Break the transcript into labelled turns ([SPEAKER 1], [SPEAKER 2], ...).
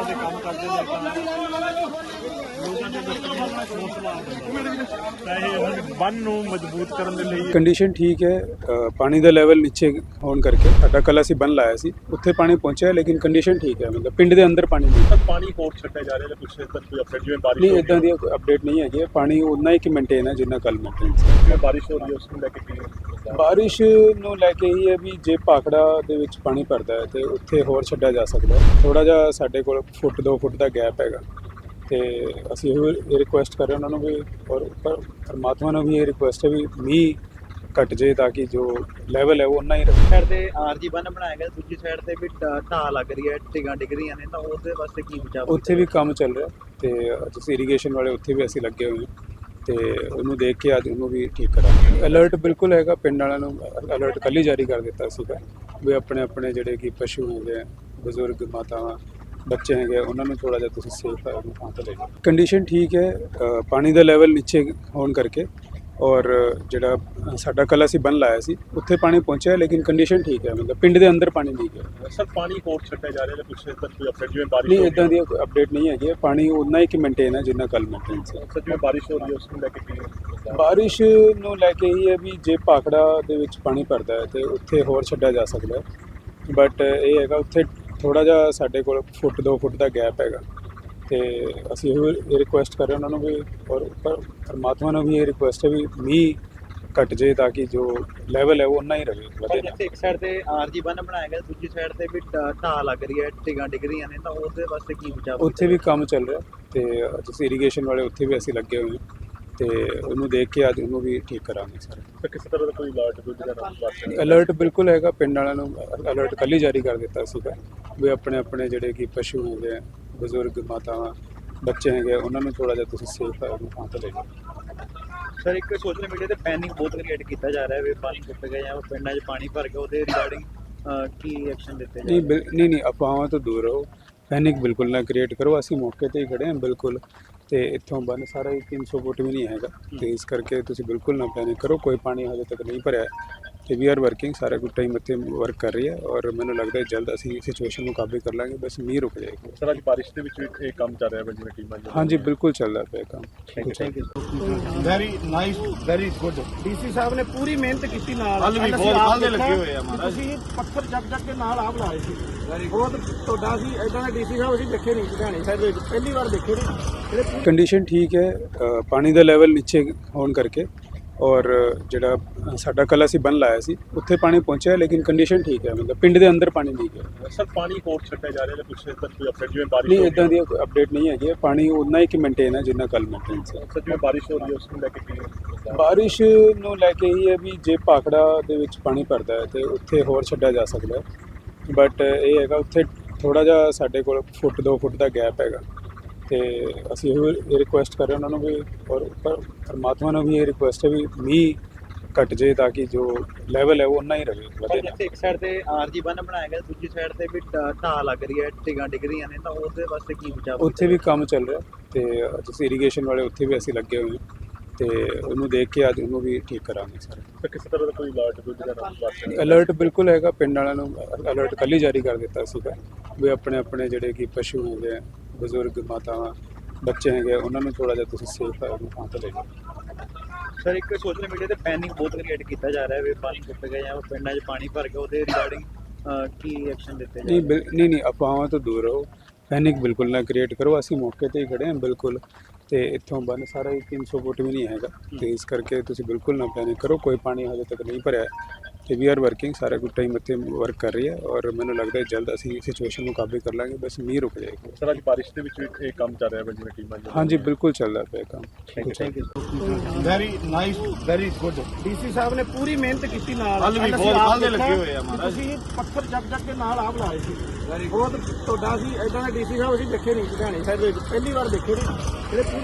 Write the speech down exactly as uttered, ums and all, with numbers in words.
[SPEAKER 1] ਦੇ ਕੰਮ ਕਰਦੇ ਨੇ ਲੋਕਾਂ ਦੇ ਵਿੱਚ ਹੌਸਲਾ ਪੈਸੇ ਬੰਨ ਨੂੰ ਮਜ਼ਬੂਤ ਕਰਨ ਦੇ ਲਈ।
[SPEAKER 2] ਕੰਡੀਸ਼ਨ ਠੀਕ ਹੈ, ਅ, ਪਾਣੀ ਦਾ ਲੈਵਲ ਨੀਚੇ ਹੋਣ ਕਰਕੇ ਸਾਡਾ ਕੱਲ੍ਹ ਅਸੀਂ ਬੰਨ ਲਾਇਆ ਸੀ, ਉੱਥੇ ਪਾਣੀ ਪਹੁੰਚਿਆ ਲੇਕਿਨ ਕੰਡੀਸ਼ਨ ਠੀਕ ਹੈ, ਮਤਲਬ ਪਿੰਡ ਦੇ ਅੰਦਰ ਪਾਣੀ ਨਹੀਂ
[SPEAKER 1] ਸਰ ਪਾਣੀ ਹੋਰ ਛੱਡਿਆ ਜਾ ਰਿਹਾ ਜਾਂ ਪਿਛਲੇ ਤੱਕ ਕੋਈ ਅਪਡੇਟ ਜਿਵੇਂ ਬਾਰਿਸ਼
[SPEAKER 2] ਨਹੀਂ
[SPEAKER 1] ਹੋ
[SPEAKER 2] ਇਦਾਂ ਦੀ ਕੋਈ ਅਪਡੇਟ ਨਹੀਂ ਹੈਗੀ ਹੈ। ਪਾਣੀ ਉਨਾ ਹੀ ਕਿ ਮੇਨਟੇਨ ਹੈ ਜਿੰਨਾ ਕੱਲ੍ਹ ਮੇਨਟੇਨ ਸੀ।
[SPEAKER 1] ਜਿਵੇਂ ਬਾਰਿਸ਼ ਹੋ ਰਹੀ ਹੈ ਉਸ ਨੂੰ ਲੈ ਕੇ ਕੀ
[SPEAKER 2] ਬਾਰਿਸ਼ ਨੂੰ ਲੈ ਕੇ ਹੀ ਹੈ ਵੀ ਜੇ ਭਾਖੜਾ ਦੇ ਵਿੱਚ ਪਾਣੀ ਭਰਦਾ ਹੈ ਤੇ ਉੱਥੇ ਹੋਰ ਛੱਡਿਆ ਜਾ ਸਕਦਾ ਹੈ। ਥੋੜਾ ਜਿਹਾ ਸਾਡੇ ਕੋਲ ਫੁੱਟ ਦੋ ਫੁੱਟ ਦਾ ਗੈਪ ਹੈਗਾ ਤੇ ਅਸੀਂ ਇਹ ਰਿਕੁਐਸਟ ਕਰ ਰਹੇ ਉਹਨਾਂ ਨੂੰ ਵੀ, ਔਰ ਪਰ ਪਰਮਾਤਮਾ ਨੂੰ ਵੀ ਇਹ ਰਿਕੁਐਸਟ ਹੈ ਵੀ ਮੀਂਹ ਘਟ ਜੇ ਤਾਂ ਕਿ ਜੋ ਲੈਵਲ ਹੈ ਉਹ ਉਨਾ ਹੀ ਰਹੇ।
[SPEAKER 3] ਸਾਈਡ ਤੇ ਆਰਜੀ ਬੰਨ ਬਣਾਇਆ ਗਿਆ, ਦੂਜੀ ਸਾਈਡ ਤੇ ਵੀ ਢਾਹ ਲੱਗ ਰਹੀ ਹੈ, ਟਿਗਾਂ ਡਿੱਗ ਰਹੀਆਂ ਨੇ, ਤਾਂ ਉਹਦੇ ਵਾਸਤੇ ਕੀ ਬਚਾਅ?
[SPEAKER 2] ਉੱਥੇ ਵੀ ਕੰਮ ਚੱਲ ਰਿਹਾ ਤੇ ਜਿਸ ਇਰੀਗੇਸ਼ਨ ਵਾਲੇ ਉੱਥੇ ਵੀ ਅਸੀਂ ਲੱਗੇ ਹੋਏ ਹਾਂ ਤੇ ਉਹਨੂੰ ਦੇਖ ਕੇ ਅੱਜ ਉਹਨੂੰ ਵੀ ਠੀਕ ਕਰਾਂਗੇ। ਅਲਰਟ ਬਿਲਕੁਲ ਹੈਗਾ, ਪਿੰਡ ਵਾਲਿਆਂ ਨੂੰ ਅਲਰਟ ਕੱਲ੍ਹ ਹੀ ਜਾਰੀ ਕਰ ਦਿੱਤਾ ਸੀਗਾ ਵੀ ਆਪਣੇ ਆਪਣੇ ਜਿਹੜੇ ਕਿ ਪਸ਼ੂ ਹੈਗੇ, ਬਜ਼ੁਰਗ ਮਾਤਾਵਾਂ ਬੱਚੇ ਹੈਗੇ, ਉਹਨਾਂ ਨੂੰ ਥੋੜ੍ਹਾ ਜਿਹਾ ਤੁਸੀਂ ਸੇਫ ਥਾਂ 'ਤੇ ਲੈ ਜਾਓ। ਕੰਡੀਸ਼ਨ ਠੀਕ ਹੈ, ਅ, ਪਾਣੀ ਦਾ ਲੈਵਲ ਨੀਚੇ ਹੋਣ ਕਰਕੇ ਔਰ ਜਿਹੜਾ ਸਾਡਾ ਕੱਲ੍ਹ ਅਸੀਂ ਬੰਨ ਲਾਇਆ ਸੀ ਉੱਥੇ ਪਾਣੀ ਪਹੁੰਚਿਆ ਲੇਕਿਨ ਕੰਡੀਸ਼ਨ ਠੀਕ ਹੈ, ਮਤਲਬ ਪਿੰਡ ਦੇ ਅੰਦਰ ਪਾਣੀ ਨਹੀਂ ਗਿਆ।
[SPEAKER 1] ਸਰ ਪਾਣੀ ਹੋਰ ਛੱਡਿਆ ਜਾ ਰਿਹਾ ਜਾਂ ਪਿਛਲੇ ਤੱਕ ਕੋਈ ਅਪਡੇਟ ਜਿਵੇਂ ਬਾਰਿਸ਼
[SPEAKER 2] ਨਹੀਂ ਇਦਾਂ ਦੀ ਕੋਈ ਅਪਡੇਟ ਨਹੀਂ ਹੈਗੀ ਹੈ। ਪਾਣੀ ਉਨਾ ਹੀ ਕਿ ਮੇਨਟੇਨ ਹੈ ਜਿੰਨਾ ਕੱਲ੍ਹ ਮੇਨਟੇਨ ਸੀ।
[SPEAKER 1] ਸਰ ਜਿਵੇਂ ਬਾਰਿਸ਼ ਹੋ ਰਹੀ ਹੈ ਉਸ ਨੂੰ ਲੈ ਕੇ ਕੀ
[SPEAKER 2] ਬਾਰਿਸ਼ ਨੂੰ ਲੈ ਕੇ ਹੀ ਹੈ ਵੀ ਜੇ ਭਾਖੜਾ ਦੇ ਵਿੱਚ ਪਾਣੀ ਭਰਦਾ ਹੈ ਤੇ ਉੱਥੇ ਹੋਰ ਛੱਡਿਆ ਜਾ ਸਕਦਾ ਹੈ, ਬਟ ਇਹ ਹੈਗਾ ਉੱਥੇ ਥੋੜਾ ਜਿਹਾ ਸਾਡੇ ਕੋਲ ਫੁੱਟ ਦੋ ਫੁੱਟ ਦਾ ਗੈਪ ਹੈਗਾ ਤੇ ਅਸੀਂ ਇਹ ਰਿਕੁਐਸਟ ਕਰ ਰਹੇ ਉਹਨਾਂ ਨੂੰ ਵੀ, ਔਰ ਪਰ ਪਰਮਾਤਮਾ ਨੂੰ ਵੀ ਇਹ ਰਿਕੁਐਸਟ ਹੈ ਵੀ ਮੀਂਹ ਘਟ ਜੇ ਤਾਂ ਕਿ ਜੋ ਲੈਵਲ ਹੈ ਉਹ ਉਨਾ ਹੀ ਰਹੇ ਵਧੇ ਨਾ।
[SPEAKER 3] ਇੱਕ ਸਾਈਡ ਤੇ ਆਰਜੀ ਬੰਨ ਬਣਾਇਆ ਗਿਆ, ਦੂਜੀ ਸਾਈਡ ਤੇ ਵੀ ਢਾਹ ਲੱਗ ਰਹੀ ਹੈ, ਟਿਗਾਂ ਡਿੱਗ ਰਹੀਆਂ ਨੇ, ਤਾਂ ਉਹਦੇ ਵਾਸਤੇ ਕੀ ਬਚਾਅ?
[SPEAKER 2] ਉੱਥੇ ਵੀ ਕੰਮ ਚੱਲ ਰਿਹਾ ਤੇ ਜਿਸ ਇਰੀਗੇਸ਼ਨ ਵਾਲੇ ਉੱਥੇ ਵੀ ਅਸੀਂ ਲੱਗੇ ਹੋਏ ਹਾਂ ਤੇ ਉਹਨੂੰ ਦੇਖ ਕੇ ਅੱਜ ਉਹਨੂੰ ਵੀ ਠੀਕ ਕਰਾਂਗੇ ਸਰ।
[SPEAKER 1] ਸਰ ਕਿਸੇ ਤਰ੍ਹਾਂ ਦਾ ਕੋਈ ਅਲਰਟ ਦੂਜੀ ਦਾ ਵਾਸਤੇ
[SPEAKER 2] ਅਲਰਟ ਬਿਲਕੁਲ ਹੈਗਾ, ਪਿੰਡ ਵਾਲਿਆਂ ਨੂੰ ਅਲਰਟ ਕੱਲ੍ਹ ਹੀ ਜਾਰੀ ਕਰ ਦਿੱਤਾ ਸੀਗਾ ਵੀ ਆਪਣੇ ਆਪਣੇ ਜਿਹੜੇ ਕਿ ਪਸ਼ੂ ਹੈਗੇ, ਬਜ਼ੁਰਗ ਮਾਤਾਵਾਂ ਬੱਚੇ ਹੈਗੇ, ਉਹਨਾਂ ਨੂੰ ਥੋੜ੍ਹਾ ਜਿਹਾ ਤੁਸੀਂ ਸੇਫ ਥਾਂ 'ਤੇ ਲੈ ਜਾਓ।
[SPEAKER 3] ਸਰ ਇੱਕ ਸੋਸ਼ਲ ਮੀਡੀਆ ਤੇ ਪੈਨਿਕ ਬਹੁਤ ਕ੍ਰੀਏਟ ਕੀਤਾ ਜਾ ਰਿਹਾ ਵੀ ਪਾਣੀ ਟੁੱਟ ਗਿਆ ਜਾਂ ਪਿੰਡਾਂ 'ਚ ਪਾਣੀ ਭਰ ਗਿਆ, ਉਹਦੇ ਰਿਗਾਰਡਿੰਗ ਕੀ ਐਕਸ਼ਨ ਦਿੱਤੇ
[SPEAKER 2] ਨਹੀਂ
[SPEAKER 3] ਜਾ
[SPEAKER 2] ਬਿਲ ਨਹੀਂ ਨਹੀਂ ਅਫਵਾਹਾਂ ਤੋਂ ਦੂਰ ਰਹੋ, ਪੈਨਿਕ ਬਿਲਕੁਲ ਨਾ ਕ੍ਰੀਏਟ ਕਰੋ। ਅਸੀਂ ਮੌਕੇ 'ਤੇ ਹੀ ਖੜ੍ਹੇ ਹਾਂ ਬਿਲਕੁਲ, ਤੇ ਇੱਥੋਂ ਬੰਨ ਸਾਰਾ ਹੀ ਤਿੰਨ ਸੌ ਫੁੱਟ ਵੀ ਨਹੀਂ ਹੈਗਾ ਤੇ ਇਸ ਕਰਕੇ ਤੁਸੀਂ ਬਿਲਕੁਲ ਨਾ ਪੈਨਿਕ ਕਰੋ। ਕੋਈ ਪਾਣੀ ਹਜੇ ਤੱਕ ਨਹੀਂ ਭਰਿਆ ਤੇ ਵੀ ਆਰ ਵਰਕਿੰਗ, ਸਾਰਾ ਕੁਝ ਟਾਈਮ ਇੱਥੇ ਵਰਕ ਕਰ ਰਹੀ ਹੈ ਔਰ ਮੈਨੂੰ ਲੱਗਦਾ ਹੈ ਜਲਦ ਅਸੀਂ ਸਿਚੁਏਸ਼ਨ ਨੂੰ ਕਾਬੂ ਕਰ ਲਾਂਗੇ, ਬਸ ਮੀਂਹ ਰੁਕ ਜਾਏਗਾ।
[SPEAKER 1] ਸਰ ਅੱਜ ਬਾਰਿਸ਼ ਦੇ ਵਿੱਚ ਵੀ ਇਹ ਕੰਮ ਚੱਲ ਰਿਹਾ ਹੈ ਜਿਵੇਂ ਟੀਮਾਂ
[SPEAKER 2] ਹਾਂਜੀ ਬਿਲਕੁਲ ਚੱਲਦਾ ਪਿਆ ਕੰਮ।
[SPEAKER 3] Thank you.
[SPEAKER 4] Very nice, very good.
[SPEAKER 5] DC ਸਾਹਿਬ ਨੇ ਪੂਰੀ ਮਿਹਨਤ ਕੀਤੀ ਨਾਲ।
[SPEAKER 4] ਕੱਲ੍ਹ ਵੀ
[SPEAKER 5] ਕੱਲ੍ਹ
[SPEAKER 4] ਬਹੁਤ
[SPEAKER 5] ਅਸੀਂ ਆਪ
[SPEAKER 4] ਕੱਲ੍ਹ ਦੇ
[SPEAKER 5] ਦੇਖਿਆ
[SPEAKER 4] ਲੱਗੇ ਹੋਏ ਆ ਮਹਾਰਾਜ।
[SPEAKER 5] ਤੁਸੀਂ ਪੱਥਰ ਚੱਕ ਚੱਕ ਕੇ ਨਾਲ ਆਪ ਲਾਏ ਸੀ। ਬਹੁਤ ਤੁਹਾਡਾ ਸੀ ਇਦਾਂ ਦੇ ਡੀਸੀ ਸਾਹਿਬ ਅਸੀਂ ਦੇਖੇ ਨਹੀਂ ਲੁਧਿਆਣੇ ਸਾਹਿਬ ਵਿੱਚ, ਪਹਿਲੀ ਵਾਰ ਦੇਖੇ ਨੇ ਜਿਹੜੇ।
[SPEAKER 2] ਕੰਡੀਸ਼ਨ ਠੀਕ ਹੈ, ਅ, ਪਾਣੀ ਦਾ ਲੈਵਲ ਨੀਚੇ ਹੋਣ ਕਰਕੇ ਔਰ ਜਿਹੜਾ ਸਾਡਾ ਕੱਲ੍ਹ ਅਸੀਂ ਬੰਨ ਲਾਇਆ ਸੀ ਉੱਥੇ ਪਾਣੀ ਪਹੁੰਚਿਆ ਲੇਕਿਨ ਕੰਡੀਸ਼ਨ ਠੀਕ ਹੈ, ਮਤਲਬ ਪਿੰਡ ਦੇ ਅੰਦਰ ਪਾਣੀ ਨਹੀਂ ਗਿਆ।
[SPEAKER 1] ਸਰ ਪਾਣੀ ਹੋਰ ਛੱਡਿਆ ਜਾ ਰਿਹਾ ਜਾਂ ਪਿਛਲੇ ਤੱਕ ਕੋਈ ਅਪਡੇਟ ਜਿਵੇਂ ਬਾਰਿਸ਼
[SPEAKER 2] ਨਹੀਂ ਇਦਾਂ ਦੀ ਕੋਈ ਅਪਡੇਟ ਨਹੀਂ ਹੈਗੀ ਹੈ। ਪਾਣੀ ਉਨਾ ਹੀ ਕਿ ਮੇਨਟੇਨ ਹੈ ਜਿੰਨਾ ਕੱਲ੍ਹ ਮੇਨਟੇਨ ਸੀ।
[SPEAKER 1] ਸਰ ਜਿਵੇਂ ਬਾਰਿਸ਼ ਹੋ ਰਹੀ ਹੈ ਉਸ ਨੂੰ ਲੈ ਕੇ ਕੀ
[SPEAKER 2] ਬਾਰਿਸ਼ ਨੂੰ ਲੈ ਕੇ ਹੀ ਹੈ ਵੀ ਜੇ ਭਾਖੜਾ ਦੇ ਵਿੱਚ ਪਾਣੀ ਭਰਦਾ ਹੈ ਤੇ ਉੱਥੇ ਹੋਰ ਛੱਡਿਆ ਜਾ ਸਕਦਾ ਹੈ, ਬਟ ਇਹ ਹੈਗਾ ਉੱਥੇ ਥੋੜਾ ਜਿਹਾ ਸਾਡੇ ਕੋਲ ਫੁੱਟ ਦੋ ਫੁੱਟ ਦਾ ਗੈਪ ਹੈਗਾ ਤੇ ਅਸੀਂ ਇਹ ਰਿਕੁਐਸਟ ਕਰ ਰਹੇ ਉਹਨਾਂ ਨੂੰ ਵੀ, ਔਰ ਪਰ ਪਰਮਾਤਮਾ ਨੂੰ ਵੀ ਇਹ ਰਿਕੁਐਸਟ ਹੈ ਵੀ ਮੀਂਹ ਘਟ ਜੇ ਤਾਂ ਕਿ ਜੋ ਲੈਵਲ ਹੈ ਉਹ ਉਨਾ ਹੀ ਰਹੇ ਵਧੇ ਨਾ।
[SPEAKER 3] ਇੱਕ ਸਾਈਡ ਤੇ ਆਰਜੀ ਬੰਨ ਬਣਾਇਆ ਗਿਆ, ਦੂਜੀ ਸਾਈਡ ਤੇ ਵੀ ਢਾਹ ਲੱਗ ਰਹੀ ਹੈ, ਟਿਗਾਂ ਡਿੱਗ ਰਹੀਆਂ ਨੇ, ਤਾਂ ਉਹਦੇ ਵਾਸਤੇ ਕੀ ਬਚਾਅ?
[SPEAKER 2] ਉੱਥੇ ਵੀ ਕੰਮ ਚੱਲ ਰਿਹਾ ਤੇ ਜਿਸ ਇਰੀਗੇਸ਼ਨ ਵਾਲੇ ਉੱਥੇ ਵੀ ਅਸੀਂ ਲੱਗੇ ਹੋਏ ਹਾਂ ਤੇ ਉਹਨੂੰ ਦੇਖ ਕੇ ਅੱਜ ਉਹਨੂੰ ਵੀ ਠੀਕ ਕਰਾਂਗੇ ਸਰ।
[SPEAKER 1] ਸਰ ਕਿਸੇ ਤਰ੍ਹਾਂ ਦਾ ਕੋਈ ਅਲਰਟ ਦੂਜੀ ਦਾ ਵਾਸਤੇ
[SPEAKER 2] ਅਲਰਟ ਬਿਲਕੁਲ ਹੈਗਾ, ਪਿੰਡ ਵਾਲਿਆਂ ਨੂੰ ਅਲਰਟ ਕੱਲ੍ਹ ਹੀ ਜਾਰੀ ਕਰ ਦਿੱਤਾ ਸੀਗਾ ਵੀ ਆਪਣੇ ਆਪਣੇ ਜਿਹੜੇ ਕਿ ਪਸ਼ੂ ਹੈਗੇ, ਬਜ਼ੁਰਗ ਮਾਤਾਵਾਂ ਬੱਚੇ ਹੈਗੇ, ਉਹਨਾਂ ਨੂੰ ਥੋੜ੍ਹਾ ਜਿਹਾ ਤੁਸੀਂ ਸੇਫ ਥਾਂ 'ਤੇ ਲੈ ਜਾਓ।
[SPEAKER 3] ਸਰ ਇੱਕ ਸੋਸ਼ਲ ਮੀਡੀਆ ਤੇ ਪੈਨਿਕ ਬਹੁਤ ਕ੍ਰੀਏਟ ਕੀਤਾ ਜਾ ਰਿਹਾ ਵੀ ਪਾਣੀ ਟੁੱਟ ਗਿਆ ਜਾਂ ਪਿੰਡਾਂ 'ਚ ਪਾਣੀ ਭਰ ਗਿਆ, ਉਹਦੇ ਰਿਗਾਰਡਿੰਗ ਕੀ ਐਕਸ਼ਨ ਦਿੱਤੇ ਜਾ
[SPEAKER 2] ਨਹੀਂ ਬਿਲ ਨਹੀਂ ਨਹੀਂ ਅਫਵਾਹਾਂ ਤੋਂ ਦੂਰ ਰਹੋ, ਪੈਨਿਕ ਬਿਲਕੁਲ ਨਾ ਕ੍ਰੀਏਟ ਕਰੋ। ਅਸੀਂ ਮੌਕੇ 'ਤੇ ਹੀ ਖੜ੍ਹੇ ਹਾਂ ਬਿਲਕੁਲ, ਤੇ ਇੱਥੋਂ ਬੰਨ ਸਾਰਾ ਹੀ ਤਿੰਨ ਸੌ ਫੁੱਟ ਵੀ ਨਹੀਂ ਹੈਗਾ ਤੇ ਇਸ ਕਰਕੇ ਤੁਸੀਂ ਬਿਲਕੁਲ ਨਾ ਪੈਨਿਕ ਕਰੋ। ਕੋਈ ਪਾਣੀ ਹਜੇ ਤੱਕ ਨਹੀਂ ਭਰਿਆ ਤੇ ਵੀ ਆਰ ਵਰਕਿੰਗ, ਸਾਰਾ ਕੁਝ ਟਾਈਮ ਇੱਥੇ ਵਰਕ ਕਰ ਰਹੀ ਹੈ ਔਰ ਮੈਨੂੰ ਲੱਗਦਾ ਹੈ ਜਲਦ ਅਸੀਂ ਸਿਚੁਏਸ਼ਨ ਨੂੰ ਕਾਬੂ ਕਰ ਲਾਂਗੇ, ਬਸ ਮੀਂਹ ਰੁਕ ਜਾਏਗਾ।
[SPEAKER 1] ਸਰ ਅੱਜ ਬਾਰਿਸ਼ ਦੇ ਵਿੱਚ ਵੀ ਇਹ ਕੰਮ ਚੱਲ ਰਿਹਾ ਹੈ ਜਿਵੇਂ ਟੀਮਾਂ
[SPEAKER 2] ਹਾਂਜੀ ਬਿਲਕੁਲ ਚੱਲਦਾ ਪਿਆ ਕੰਮ।
[SPEAKER 3] Thank you.
[SPEAKER 4] Very nice, very good.
[SPEAKER 5] DC ਸਾਹਿਬ ਨੇ ਪੂਰੀ ਮਿਹਨਤ ਕੀਤੀ ਨਾਲ।
[SPEAKER 4] ਕੱਲ੍ਹ ਵੀ
[SPEAKER 5] ਕੱਲ੍ਹ
[SPEAKER 4] ਬਹੁਤ
[SPEAKER 5] ਅਸੀਂ ਆਪ
[SPEAKER 4] ਕੱਲ੍ਹ ਦੇ
[SPEAKER 5] ਦੇਖਿਆ
[SPEAKER 4] ਲੱਗੇ ਹੋਏ ਆ ਮਹਾਰਾਜ।
[SPEAKER 5] ਤੁਸੀਂ ਪੱਥਰ ਚੱਕ ਚੱਕ ਕੇ ਨਾਲ ਆਪ ਲਾਏ ਸੀ। ਬਹੁਤ ਤੁਹਾਡਾ ਸੀ ਇਦਾਂ ਦੇ ਡੀਸੀ ਸਾਹਿਬ ਅਸੀਂ ਦੇਖੇ ਨਹੀਂ ਲੁਧਿਆਣੇ ਸਾਹਿਬ ਵਿੱਚ, ਪਹਿਲੀ ਵਾਰ ਦੇਖੇ ਨੇ ਜਿਹੜੇ।